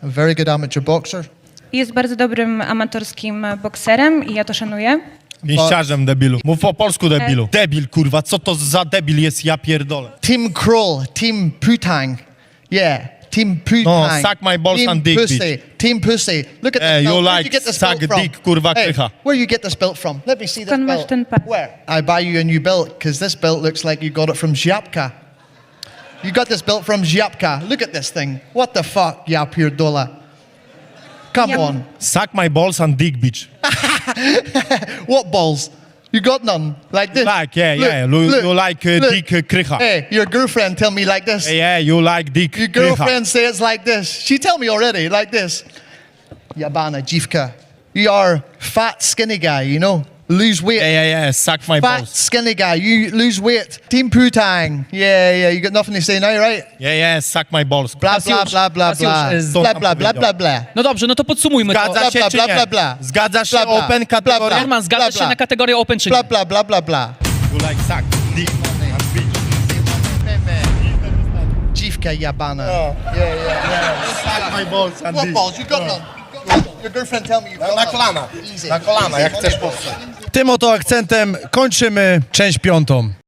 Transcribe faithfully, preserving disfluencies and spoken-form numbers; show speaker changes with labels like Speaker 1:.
Speaker 1: a very good amateur boxer.
Speaker 2: Jest bardzo dobrym amatorskim bokserem i ja to szanuję.
Speaker 3: Pięściarzem, debilu. Mów po polsku, debilu. Debil, kurwa, co to za debil jest, ja pierdolę.
Speaker 1: Tim Kroll, Team Putang. Yeah, Team Putang.
Speaker 3: No, suck my balls
Speaker 1: Team
Speaker 3: and dick,
Speaker 1: pussy.
Speaker 3: bitch.
Speaker 1: Team Pussy. Look at
Speaker 3: Hey,
Speaker 1: this
Speaker 3: you
Speaker 1: belt. Where
Speaker 3: like
Speaker 1: you get this
Speaker 3: suck
Speaker 1: belt from?
Speaker 3: dick, kurwa,
Speaker 1: Hey,
Speaker 3: krycha.
Speaker 1: where you get this belt from? Let me see this
Speaker 2: Skąd masz
Speaker 1: belt.
Speaker 2: ten pas?
Speaker 1: Where? I buy you a new belt because this belt looks like you got it from Ziapka. You got this belt from Ziapka. Look at this thing. What the fuck, ya pierdola? Come
Speaker 2: Yeah.
Speaker 1: on.
Speaker 3: Suck my balls and dick, bitch.
Speaker 1: What balls? You got none like this.
Speaker 3: Like, yeah,
Speaker 1: Look,
Speaker 3: yeah. You,
Speaker 1: look,
Speaker 3: you like uh,
Speaker 1: look.
Speaker 3: dick uh, krycha.
Speaker 1: Hey, your girlfriend tell me like this.
Speaker 3: Yeah, yeah, you like dick
Speaker 1: Your
Speaker 3: krycha.
Speaker 1: girlfriend says like this. She tell me already like this. Yabana Jivka, you are fat skinny guy, you know. Lose weight.
Speaker 3: Yeah, yeah, yeah, suck my
Speaker 1: Fat
Speaker 3: balls.
Speaker 1: skinny guy, you lose weight. Team Putang. Yeah, yeah, you got nothing to say now, right?
Speaker 3: Yeah, yeah, suck my balls.
Speaker 1: Blah blah
Speaker 4: Kasiusz,
Speaker 1: blah blah
Speaker 4: Kasiusz,
Speaker 1: blah.
Speaker 4: e, z-
Speaker 1: Blah blah blah blah blah.
Speaker 4: No dobrze, no to podsumujmy to.
Speaker 3: Zgadza się
Speaker 1: bla,
Speaker 3: czy
Speaker 1: bla,
Speaker 3: nie?
Speaker 1: bla, bla.
Speaker 3: Zgadzasz się
Speaker 1: Bla, bla.
Speaker 3: open
Speaker 1: Bla, bla.
Speaker 3: kategoria?
Speaker 4: Herman, zgadzasz
Speaker 1: bla,
Speaker 4: się
Speaker 1: bla.
Speaker 4: na kategorię open czy nie?
Speaker 1: Blah blah blah blah blah.
Speaker 3: You like suck dick and bitch.
Speaker 1: Jivka Yabana. Yeah, yeah, yeah.
Speaker 3: Suck my balls and
Speaker 1: What
Speaker 3: dick.
Speaker 1: balls? You got none. You got none. Your girlfriend tell me you got
Speaker 3: Na
Speaker 1: none.
Speaker 3: kolana.
Speaker 1: Easy.
Speaker 3: Na kolana,
Speaker 1: Easy.
Speaker 3: jak chcesz.
Speaker 5: Tym oto akcentem kończymy część piątą.